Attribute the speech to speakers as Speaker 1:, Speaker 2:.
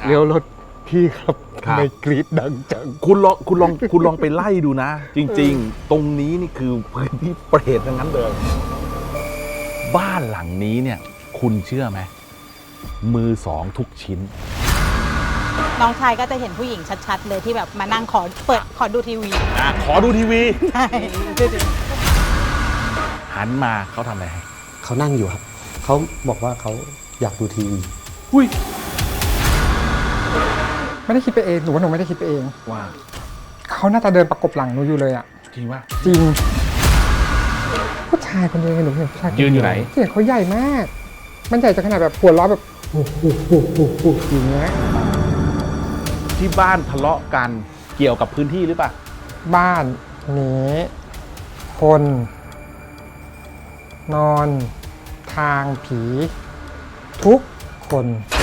Speaker 1: เลี้ยวรถพี่ครับ
Speaker 2: ครับ
Speaker 1: ทำไมกรีดดังจัง
Speaker 2: คุณลองไปไล่ดูนะ จริงๆ ตรงนี้นี่คือพื้นที่เปรตทั้งนั้นเลย บ้านหลังนี้เนี่ย คุณเชื่อไหมมือสองทุกชิ้น
Speaker 3: น้องชายก็จะเห็นผู้หญิงชัดๆเลยที่แบบมานั่งขอดูทีวี
Speaker 2: ขอดูทีวี
Speaker 3: ใช่
Speaker 2: หันมาเขาทำอะไรให้
Speaker 1: เขานั่งอยู่ครับ เขาบอกว่าเขาอยากดูทีวี
Speaker 2: อุ้ย
Speaker 4: ไม่ได้คิดไปเองหนูว่าหนูไม่ได้คิดไปเอง
Speaker 2: ว่า
Speaker 4: เขาน่าจะเดินประกบหลังหนูอยู่เลยอ่ะ
Speaker 2: จริงว่า
Speaker 4: จริง ผู้ชายคนเดียวหนูเห็นผู้ชายคเดีว
Speaker 2: ยืนอยู่ไหน
Speaker 4: เสียงเขาใหญ่มาก มันใหญ่จนขนาดแบบหัวเราะแบบโอ้โหอย่างเงี้ย
Speaker 2: ที่บ้านทะเลาะกันเกี่ยวกับพื้นที่หรือเปล่า
Speaker 4: บ้านนี้คน นอน ทางผี ทุกคน